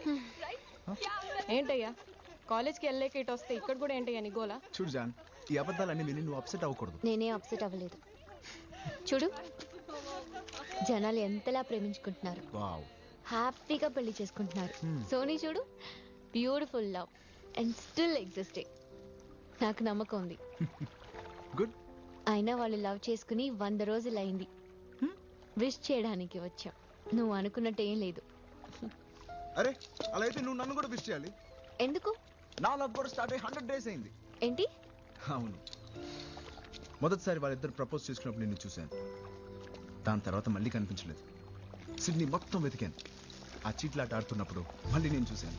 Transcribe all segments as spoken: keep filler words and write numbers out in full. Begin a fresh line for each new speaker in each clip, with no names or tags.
ఏంటయ్యా కాలేజ్కి వెళ్ళలేక ఇటు వస్తే ఇక్కడ కూడా ఏంటయ్యా నీ గోలా?
చూడు జాన్, ఈ అబద్ధాలన్నీ విని నువ్వు అప్సెట్ అవ్వకూడదు.
నేనే అప్సెట్ అవ్వలేదు. చూడు జనాలు ఎంతలా ప్రేమించుకుంటున్నారు, హ్యాపీగా పెళ్లి చేసుకుంటున్నారు. సోనీ చూడు, beautiful love and still existing. నాకు నమ్మకం ఉంది.
గుడ్.
అయినా వాళ్ళు లవ్ చేసుకుని వంద రోజులు అయింది. విష్ చేయడానికి వచ్చా. నువ్వు అనుకున్నట్టు ఏం లేదు.
అరే అలా అయితే నువ్వు నన్ను కూడా విష్ చేయాలి.
ఎందుకు?
నా లవ్ కూడా స్టార్ట్ అయ్యి హండ్రెడ్ డేస్ అయింది.
ఏంటి?
అవును, మొదటిసారి వాళ్ళిద్దరు ప్రపోజ్ చేసుకున్నప్పుడు నిన్ను చూశాను. దాని తర్వాత మళ్ళీ కనిపించలేదు. సిడ్నీ మొత్తం వెతికాను. ఆ చీట్లాట ఆడుతున్నప్పుడు మళ్ళీ నేను చూశాను.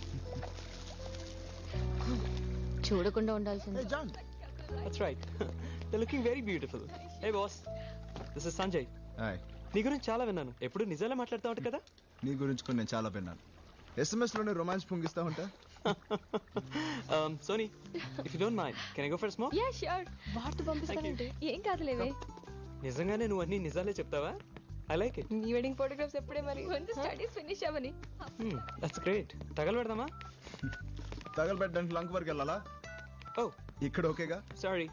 చూడకుండా ఉండాల్సింది.
Hey John.
That's right. They're looking very beautiful. Hey boss, this is Sanjay.
Hi.
నీ గురించి చాలా విన్నాను. ఎప్పుడు నిజాలే మాట్లాడుతూ ఉంటా కదా?
నీ గురించి కూడా నేను చాలా విన్నాను. ఎస్ఎంఎస్ లోనే రొమాన్స్ పొంగిస్తా ఉంటా.
um, Sony, if you don't mind, can I go for a smoke?
Yeah sure. What పంపిస్తానంటే ఏం కాదులేవే.
నిజంగానే నువ్వు అన్ని నిజాలే చెప్తావా? I like it.
నీ వెడ్డింగ్ ఫోటోగ్రాఫ్స్ ఎప్పుడే మరి? కొంచెం స్టడీస్ ఫినిష్ అవ్వని.
Hmm, that's great. తగలబెడదామా?
తగలబెట్టడానికి లంక్ వరకు వెళ్ళాలా?
Oh,
ఇక్కడ ఓకేగా?
sorry.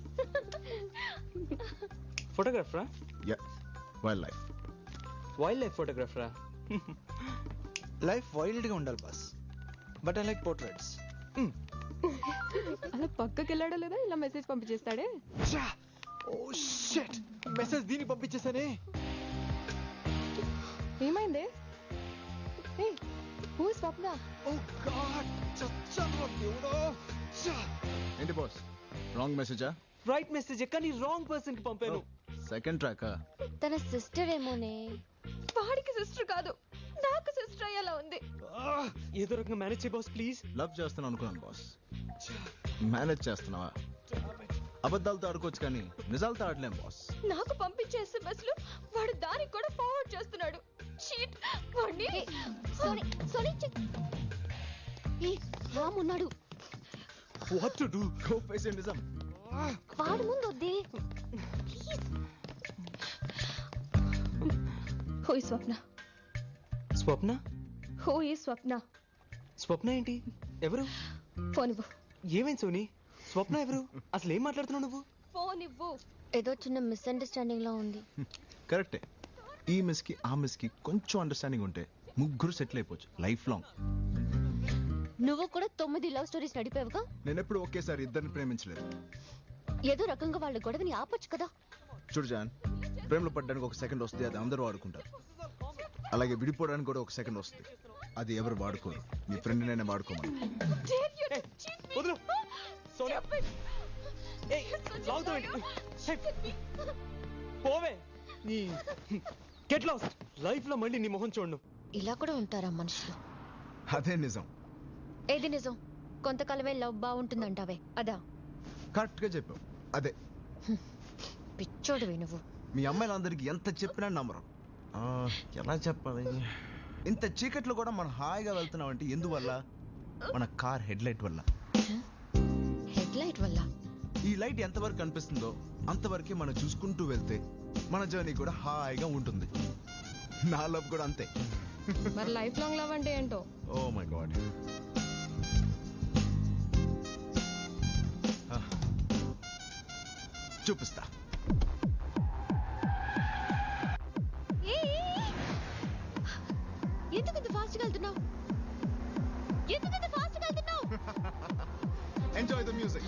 ఫోటోగ్రాఫరా?
Yeah, wildlife.
Wildlife ఫోటోగ్రాఫరా?
లైఫ్ వైల్డ్ గా ఉండాలి boss, but I like portraits.
అలా పక్కకి వెళ్ళాడో లేదా ఇలా మెసేజ్ పంపించేస్తాడే.
ఓ షిట్, మెసేజ్ దీనికి పంపించేసానే.
ఏమైంది? ఏ who is Swapna?
Oh god, చచ్చా దేవుడో.
ఏంటి బాస్, రాంగ్ మెసేజా?
రైట్ మెసేజ్ కానీ రాంగ్ పర్సన్ కి పంపాను.
సెకండ్ ట్రాకా?
తన సిస్టర్ ఏమోనే.
వాడికి సిస్టర్ కాదు, నాకు సిస్టర్ అయ్యేలా ఉంది.
ఏదో రకంగా మేనేజ్ చేయ బాస్ ప్లీజ్.
లవ్ చేస్తున్నాను అనుకున్నాను బాస్. మేనేజ్ చేస్తున్నావా? అబద్ధాలతో ఆడుకోవచ్చు కానీ నిజాలతో ఆడలేం బాస్.
నాకు పంపించే ఎస్ఎంఎస్ లు వాడు దానికి కూడా ఫార్వర్డ్ చేస్తున్నాడు. షీట్. వాడిని
సోనీ సోనీ ఏ రామ్ ఉన్నాడు.
What to do? Go face it. నిజం
వాడు ముందు వద్దే please.
Who is Swapna?
Swapna?
Who is Swapna?
Swapna ఏంటి? ఎవరు?
ఫోన్ ఇవ్వు.
ఏమైంది సోనీ? స్వప్న ఎవరు? అసలు ఏం మాట్లాడుతున్నావు నువ్వు?
ఫోన్ ఇవ్వు.
ఏదో చిన్న మిస్అండర్స్టాండింగ్ లో ఉంది.
కరెక్టే. ఈ మిస్ కి ఆ మిస్ కి కొంచెం అండర్స్టాండింగ్ ఉంటే ముగ్గురు సెటిల్ అయిపోవచ్చు లైఫ్ లాంగ్.
నువ్వు కూడా తొమ్మిది లవ్ స్టోరీస్ నడిపావుగా.
నేను ఎప్పుడు ఒకేసారి ఇద్దరిని ప్రేమించలేదు.
ఏదో రకంగా వాళ్ళ గొడవని ఆపొచ్చు కదా.
చూడు జాన్, ప్రేమలో పడ్డానికి ఒక సెకండ్ వస్తే అది అందరూ వాడుకుంటారు. అలాగే విడిపోవడానికి కూడా ఒక సెకండ్ వస్తుంది, అది ఎవరు వాడుకోరు. మీ ఫ్రెండ్ నేనే వాడుకోమని.
వదలు సోనీ. ఏయ్ లాగుతావు ఏంటి? పోవే. నీ గెట్ లాస్ట్. లైఫ్ లో మళ్ళీ నీ మొహం చూడను.
ఇలా కూడా ఉంటారా మనుషులు?
అదే నిజం.
ఏది నిజం? కొంతకాలమే లవ్ బాగుంటుందంటావే అదా?
కరెక్ట్ గా చెప్పావు, అదే.
పిచ్చోడువే నువ్వు.
మీ అమ్మాయిలందరికీ ఎంత చెప్పినా నమ్మరు. ఆ, ఎలా చెప్పాలి? ఇంత చీకట్లో కూడా మనం హాయిగా వెళ్తున్నాం అంటే ఎందువల్ల? మన కార్ హెడ్ లైట్ వల్ల.
హెడ్ లైట్ వల్ల?
ఈ లైట్ ఎంతవరకు కనిపిస్తుందో అంతవరకే మనం చూసుకుంటూ వెళ్తే మన జర్నీ కూడా హాయిగా ఉంటుంది. నా లవ్ కూడా అంతే.
మరి లైఫ్ లాంగ్ లవ్ అంటే ఏంటో?
Oh my god. చూపిస్తా.
ఎందుకు ఇంత ఫాస్ట్ గా వెళ్తున్నావు? ఎందుకు ఇంత ఫాస్ట్ గా వెళ్తున్నావు?
Enjoy the music.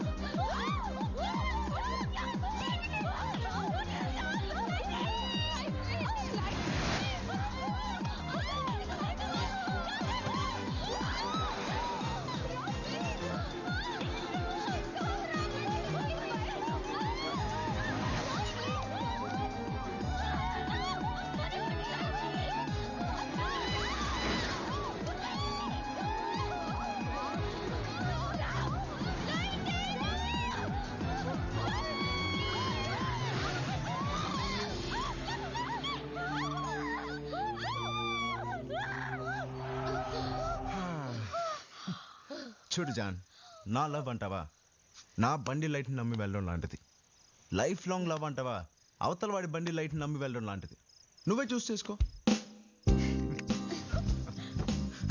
చూడు జాన్, నా లవ్ అంటావా నా బండి లైట్ని నమ్మి వెళ్ళడం లాంటిది. లైఫ్ లాంగ్ లవ్ అంటావా అవతల వాడి బండి లైట్ని నమ్మి వెళ్ళడం లాంటిది. నువ్వే చూస్ చేసుకో.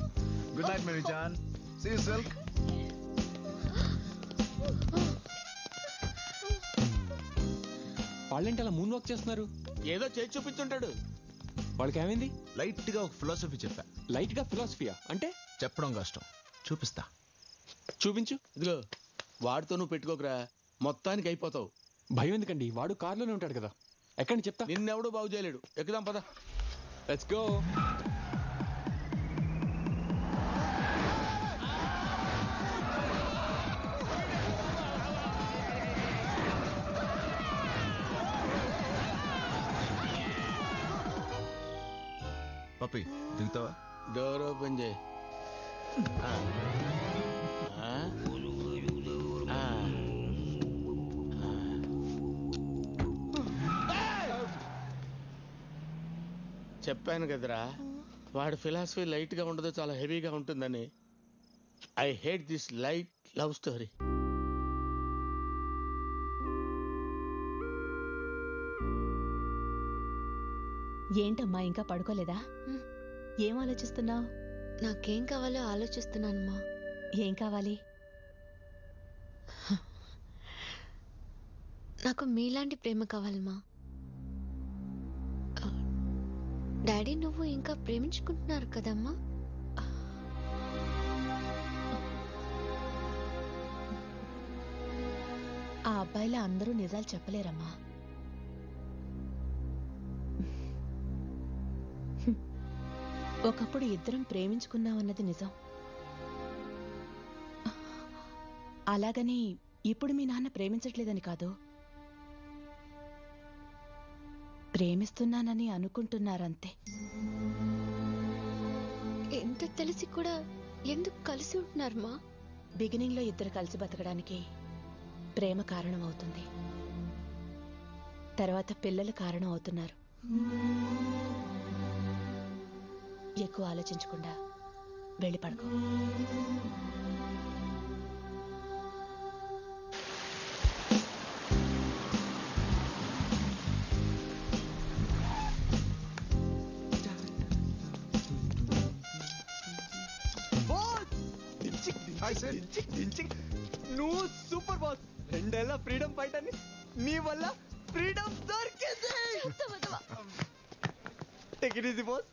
Good night Mary John. See you silk.
వాళ్ళేంటి అలా మూన్ వాక్ చేస్తున్నారు?
ఏదో చేసి చూపించుంటాడు.
వాళ్ళకి ఏమైంది?
లైట్ గా ఒక ఫిలాసఫీ చెప్పా.
లైట్ గా ఫిలాసఫియా అంటే?
చెప్పడం కష్టం, చూపిస్తా.
చూపించు.
ఇదిగో వాడితో నువ్వు పెట్టుకోకరా, మొత్తానికి అయిపోతావు.
భయం ఎందుకండి, వాడు కార్లోనే ఉంటాడు కదా. ఎక్కడి చెప్తా.
నిన్నెవడూ బాగు చేయలేడు. ఎక్కుదాం పద.
Let's go.
పప్పి దిగుతావా?
డోర్ ఓపెన్ చేయి. ఆ. ఆ. ఆ. చెప్పాను కదరా, వాడి ఫిలాసఫీ లైట్ గా ఉండదు, చాలా హెవీగా ఉంటుందని. I hate this light love story.
ఏంటమ్మా ఇంకా పడుకోలేదా?
హ్మ్.
ఏం ఆలోచిస్తున్నావు?
నాకేం కావాలో ఆలోచిస్తున్నానమ్మా.
ఏం కావాలి?
నాకు మీలాంటి ప్రేమ కావాలమ్మా. ఆ, డాడీ నువ్వు ఇంకా ప్రేమించుకుంటున్నారు కదమ్మా?
ఆ అబ్బాయిలా అందరూ నిజాలు చెప్పలేరమ్మా. ఒకప్పుడు ఇద్దరం ప్రేమించుకున్నామన్నది నిజం. అలాగని ఇప్పుడు మీ నాన్న ప్రేమించట్లేదని కాదు, ప్రేమిస్తున్నానని అనుకుంటున్నారంతే.
ఎంత తెలిసి కూడా ఎందుకు కలిసి ఉంటున్నారమ్మా?
బిగినింగ్ లో ఇద్దరు కలిసి బతకడానికి ప్రేమ కారణం అవుతుంది, తర్వాత పిల్లలు కారణం అవుతున్నారు. ఎక్కువ ఆలోచించకుండా వెళ్ళి పడుకో.
నువ్వు సూపర్ బాస్. రెండేళ్ల ఫ్రీడమ్ ఫైట్ అని నీ వల్ల ఫ్రీడమ్ దొరికింది. Take it easy boss.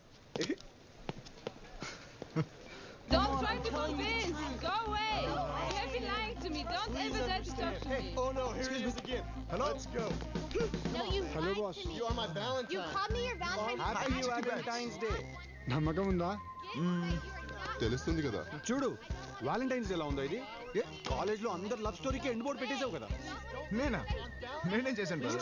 Don't try to convince. Go away. You have been lying to me. Don't ever dare to talk to me.
Oh no, here he is again.
Hello. Let's go.
No, you
Hello,
lied
boss.
to me.
You are my Valentine.
You called me your Valentine.
Happy Valentine's Day.
నమ్మకం ఉందా?
తెలుస్తుంది కదా.
చూడు Valentine's ఎలా ఉందో ఇది. College లో అందరు లవ్ స్టోరీకి ఎండ్ బోర్డ్ పెట్టేసావు కదా.
నేనా? నేనేం చేశాను brother?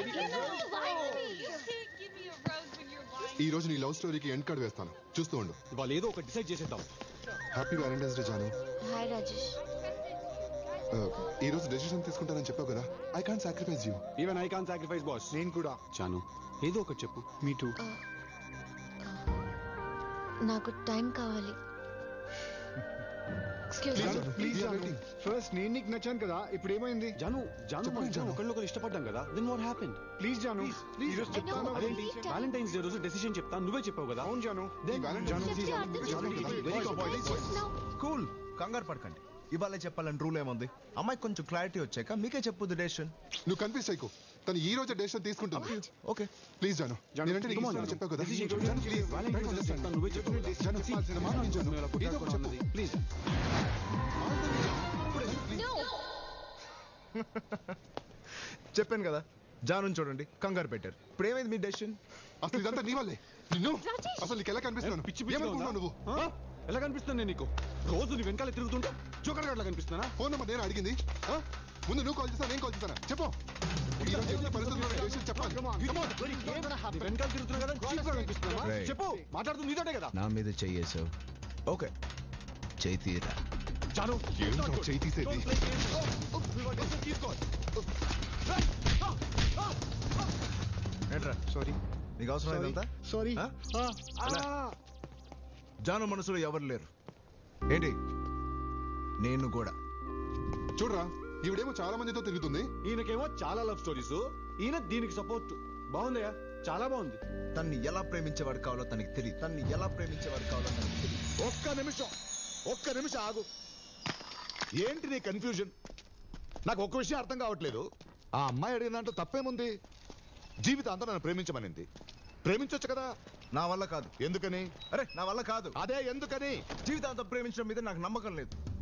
ఈ రోజు నీ లవ్ స్టోరీకి ఎండ్ కార్డ్ వేస్తాను, చూస్తూ ఉండు.
వాళ్ళు ఏదో ఒక డిసైడ్ చేసేద్దాం.
హ్యాపీ వ్యాలంటైన్స్ డే జాను.
హాయ్ రాజేష్.
ఈ రోజు డెసిషన్ తీసుకుంటానని చెప్పావు కదా. I can't sacrifice you.
Even I can't sacrifice boss. నేను కూడా. జాను ఏదో ఒకటి చెప్పు. Me too.
నాకు టైం కావాలి.
ప్లీజ్ ఫస్ట్ నేను నీకు నచ్చాను కదా, ఇప్పుడు ఏమైంది? జాను జాను మనం ఒకళ్ళొకరు ఇష్టపడ్డాం కదా. Then what happened? ప్లీజ్ జాను ఈ రోజు చెప్తాను. అదేంటి వాలంటైన్స్ డే రోజు డెసిషన్ చెప్తాను, నువ్వే చెప్పావు కదా. అవును జాను.
కూల్, కంగారు పడకండి. ఇవాళ చెప్పాలని రూల్ ఏముంది? అమ్మాయి కొంచెం క్లారిటీ వచ్చాక మీకే చెప్పు డెసిషన్.
నువ్వు కన్ఫ్యూజ్ అయ్యో. తను ఈ రోజు డెసిషన్ తీసుకుంటుంది.
ఓకే
ప్లీజ్ జాను. నేనంటే నీకు ఇష్టం చెప్పావు కదా.
నువ్వే చెప్పు ప్లీజ్.
చెప్పాను కదా, జాను చూడండి కంగారు పెట్టారు. ఇప్పుడు ఏమైంది మీ డెసిషన్?
అసలు ఇదంతా నీ వల్లే. నిన్ను అసలు నీకు ఎలా కనిపిస్తున్నాను?
పిచ్చి పిచ్చి
నువ్వు
ఎలా కనిపిస్తాను నేను నీకు? రోజు నీ వెనకాల తిరుగుతుంటా జోకర్ గట్లా కనిపిస్తున్నా?
ఫోన్ నెంబర్ నేను అడిగింది. ముందు నువ్వు కాల్ చేస్తా, నేను కాల్ చేస్తానా? చెప్పు.
వెనకాల తిరుగుతున్నా కదా, చీప్ గా కనిపిస్తున్నా? చెప్పు. మాట్లాడుతుంది నీతోటే కదా.
నా మీద చెయ్యేసావు. ఓకే చెయ్యి తీరా.
చాలు
చెయ్యి తీసేది.
ఏంట్రా సారీ, నీకు అవసరం లేదంతా?
సారీ.
జాను మనసులో ఎవరు లేరు ఏంటి? నేను కూడా.
చూడరా, ఈవిడేమో చాలా మందితో తిరుగుతుంది.
ఈయనకేమో చాలా లవ్ స్టోరీస్, ఈయన దీనికి సపోర్ట్. బాగుందయ్యా, చాలా బాగుంది.
తన్ని ఎలా ప్రేమించేవాడు కావాలో తనకి తెలియదు. తన్ని ఎలా ప్రేమించేవాడు కావాలో తనకి తెలియదు.
ఒక్క నిమిషం.
ఒక్క నిమిషం ఆగు. ఏంటి నీ కన్ఫ్యూజన్? నాకు ఒక్క విషయం అర్థం కావట్లేదు. ఆ అమ్మాయి అడిగిన దాంట్లో తప్పేముంది? జీవితాంతం నన్ను ప్రేమించమనింది. ప్రేమించొచ్చు కదా.
నా వల్ల కాదు.
ఎందుకని?
అరే నా వల్ల కాదు.
అదే ఎందుకని?
జీవితాంతం ప్రేమించడం మీద నాకు నమ్మకం లేదు.